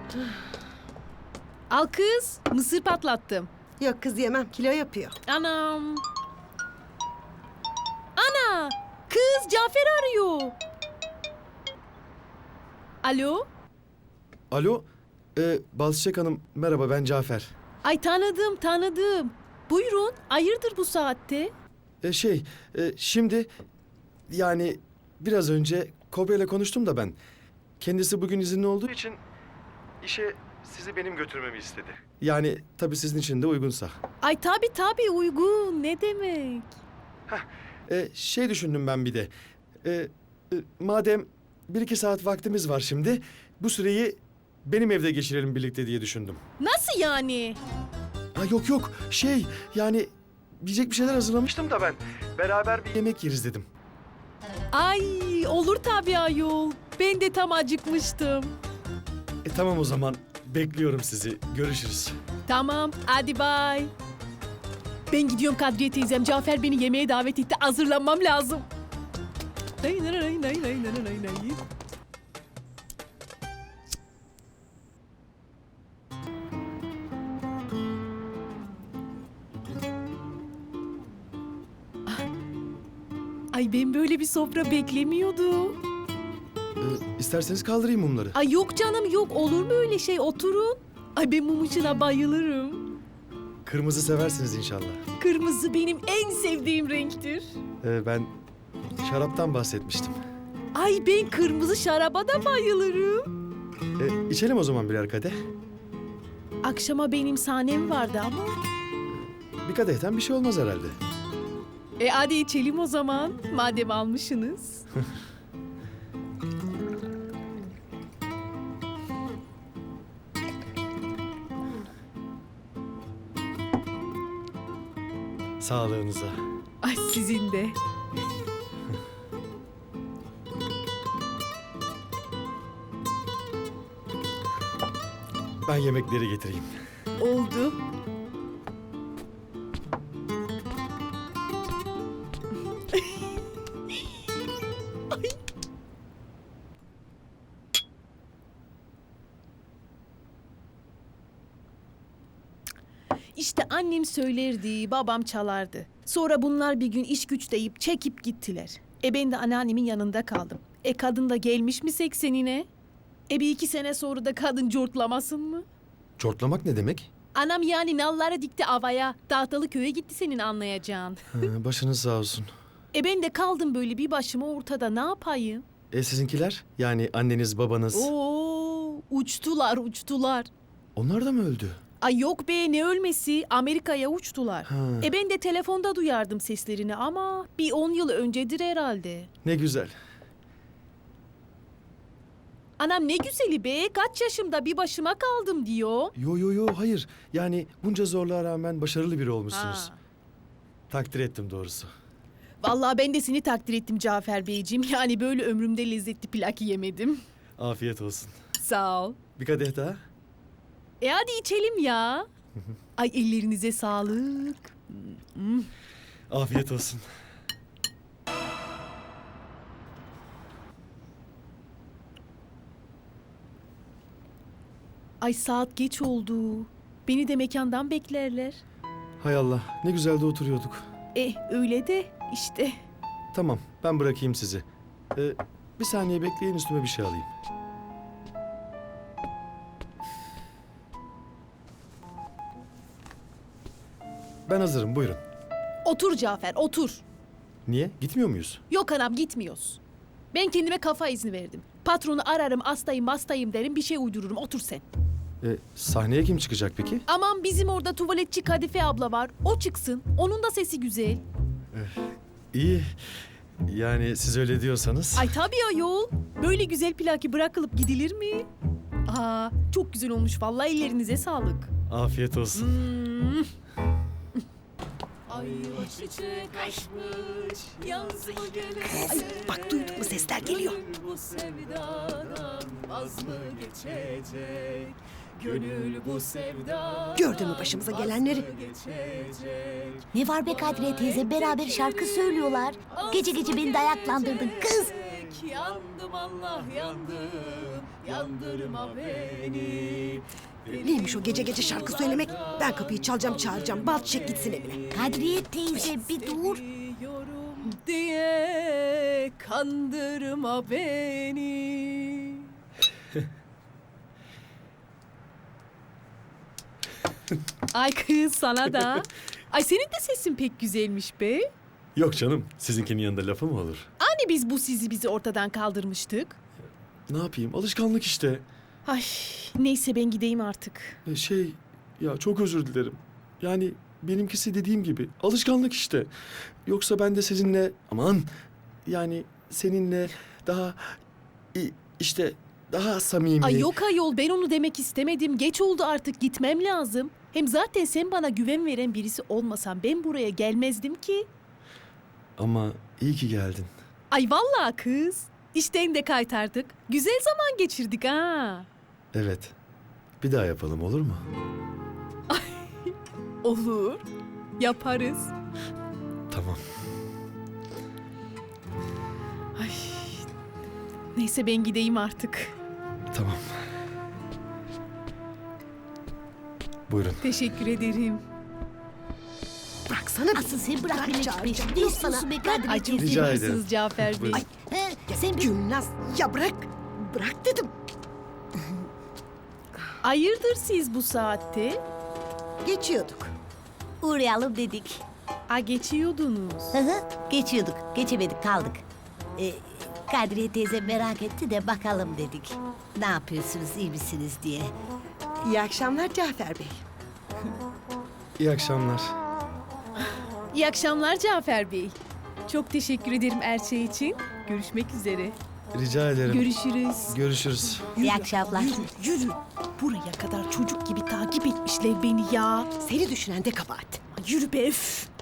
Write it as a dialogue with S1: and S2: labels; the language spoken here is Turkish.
S1: Al kız, mısır patlattım.
S2: Yok kız yemem, kilo yapıyor.
S1: Anam. Ana, kız Cafer arıyor. Alo?
S3: Alo, Balçıçak Hanım merhaba ben Cafer.
S1: Ay tanıdım. Buyurun, hayırdır bu saatte?
S3: Şimdi yani biraz önce Kobra ile konuştum da ben. Kendisi bugün izinli olduğu için işe sizi benim götürmemi istedi. Yani tabii sizin için de uygunsa.
S1: Ay tabii uygun, ne demek?
S3: Düşündüm ben bir de. Madem 1-2 saat vaktimiz var şimdi, bu süreyi benim evde geçirelim birlikte diye düşündüm.
S1: Nasıl yani?
S3: Ha, yok, yani yiyecek bir şeyler hazırlamıştım da ben. Beraber bir yemek yeriz dedim.
S1: Ay olur tabii ayol. Ben de tam acıkmıştım.
S3: Tamam o zaman, bekliyorum sizi. Görüşürüz.
S1: Tamam, hadi bay. Ben gidiyorum Kadriye teyzem. Cafer beni yemeğe davet etti. Hazırlanmam lazım. Ay ben böyle bir sofra beklemiyordum.
S3: İsterseniz kaldırayım mumları.
S1: Ay yok canım yok. Olur mu öyle şey? Oturun. Ay ben mum ışığına bayılırım.
S3: Kırmızı seversiniz inşallah.
S1: Kırmızı benim en sevdiğim renktir.
S3: Ben şaraptan bahsetmiştim.
S1: Ay ben kırmızı şaraba da bayılırım.
S3: İçelim o zaman birer kadeh.
S1: Akşama benim sahnem vardı ama.
S3: Bir kadehten bir şey olmaz herhalde.
S1: Hadi içelim o zaman. Madem almışsınız.
S3: Sağlığınıza.
S1: Ay sizin de.
S3: Ben yemekleri getireyim.
S1: Oldu. İşte annem söylerdi, babam çalardı. Sonra bunlar bir gün iş güç deyip çekip gittiler. Ben de anneannemin yanında kaldım. Kadın da gelmiş mi 80'ine? Bir 2 sene sonra da kadın cortlamasın mı?
S3: Çortlamak ne demek?
S1: Anam yani nalları dikti avaya. Dağtalı köye gitti senin anlayacağın.
S3: Başınız sağ olsun.
S1: Ben de kaldım böyle bir başıma ortada, ne yapayım?
S3: Sizinkiler? Yani anneniz, babanız.
S1: Oo, uçtular.
S3: Onlar da mı öldü?
S1: Ay yok be, ne ölmesi, Amerika'ya uçtular.
S3: Ha.
S1: Ben de telefonda duyardım seslerini ama bir 10 yıl öncedir herhalde.
S3: Ne güzel.
S1: Anam ne güzeli be, kaç yaşımda bir başıma kaldım diyor.
S3: Yo, hayır. Yani bunca zorluğa rağmen başarılı biri olmuşsunuz.
S1: Ha.
S3: Takdir ettim doğrusu.
S1: Vallahi ben de seni takdir ettim Cafer Beyciğim. Yani böyle ömrümde lezzetli plak yemedim.
S3: Afiyet olsun.
S1: Sağ ol.
S3: Bir kadeh daha.
S1: Hadi içelim ya. Ay ellerinize sağlık.
S3: Afiyet olsun.
S1: Ay saat geç oldu. Beni de mekandan beklerler.
S3: Hay Allah, ne güzel de oturuyorduk.
S1: Öyle de işte.
S3: Tamam, ben bırakayım sizi. Bir saniye bekleyin, üstüme bir şey alayım. Ben hazırım, buyurun.
S1: Otur Cafer, otur.
S3: Niye? Gitmiyor muyuz?
S1: Yok anam gitmiyoruz. Ben kendime kafa izni verdim. Patronu ararım, hastayım derim, bir şey uydururum. Otur sen.
S3: Sahneye kim çıkacak peki?
S1: Aman bizim orada tuvaletçi Kadife abla var. O çıksın. Onun da sesi güzel.
S3: İyi. Yani siz öyle diyorsanız.
S1: Ay tabii ayol. Böyle güzel plaki bırakılıp gidilir mi? Çok güzel olmuş vallahi, ellerinize sağlık.
S3: Afiyet olsun.
S1: Ay çiçek açmış, yaz mı gelir?
S2: Ay, bak duydun mu, sesler geliyor.
S1: Bu sevdadan vaz mı geçecek? Gönül bu sevdadan
S2: Gördün mü başımıza gelenleri?
S1: geçecek.
S4: Ne var be Kadriye teyze, beraber şarkı söylüyorlar. Gece gece beni dayaklandırdın kız.
S1: yandım Allah yandım, yandırma beni.
S2: Neymiş o gece gece şarkı söylemek? Ben kapıyı çalacağım çağıracağım. Bal çiçek gitsin evine.
S4: Kadriye teyze bir dur.
S1: Seviyorum diye kandırma beni. Ay kız sana da. Ay senin de sesin pek güzelmiş be.
S3: Yok canım, sizinkinin yanında lafı mı olur?
S1: Hani biz bu bizi ortadan kaldırmıştık?
S3: Ne yapayım, alışkanlık işte.
S1: Ay neyse ben gideyim artık.
S3: Ya çok özür dilerim. Yani benimkisi dediğim gibi alışkanlık işte. Yoksa ben de sizinle yani seninle daha işte daha samimi.
S1: Ay yok ayol ben onu demek istemedim. Geç oldu artık gitmem lazım. Hem zaten sen bana güven veren birisi olmasan ben buraya gelmezdim ki.
S3: Ama iyi ki geldin.
S1: Ay vallahi kız. İşten de kaytardık. Güzel zaman geçirdik ha.
S3: Evet. Bir daha yapalım olur mu?
S1: Olur. Yaparız.
S3: Tamam.
S1: Ay. Neyse ben gideyim artık.
S3: Tamam. Buyurun.
S1: Teşekkür ederim.
S2: Bıraksana bir.
S4: Asıl sen bırak beni
S2: çağıracağım.
S4: peşinde. Ne istiyorsun be Kadriye
S1: Ay çok
S4: teyze?
S3: Rica ederim.
S1: seversiniz Cafer Bey.
S3: Buyurun.
S4: Ay, sen bir...
S2: Gülnaz ya bırak. Bırak dedim.
S1: Hayırdır siz bu saatte?
S2: Geçiyorduk.
S4: Uğrayalım dedik.
S1: Geçiyordunuz.
S4: Hı hı, geçiyorduk. Geçemedik kaldık. Kadriye teyze merak etti de bakalım dedik. Ne yapıyorsunuz iyi misiniz diye.
S2: İyi akşamlar Cafer Bey.
S3: İyi akşamlar.
S1: İyi akşamlar Cafer Bey. Çok teşekkür ederim her şey için. Görüşmek üzere.
S3: Rica ederim.
S1: Görüşürüz.
S3: Görüşürüz.
S4: İyi akşamlar.
S1: Yürü. Buraya kadar çocuk gibi takip etmişler beni ya.
S2: Seni düşünen de kabahat.
S1: Yürü be üf.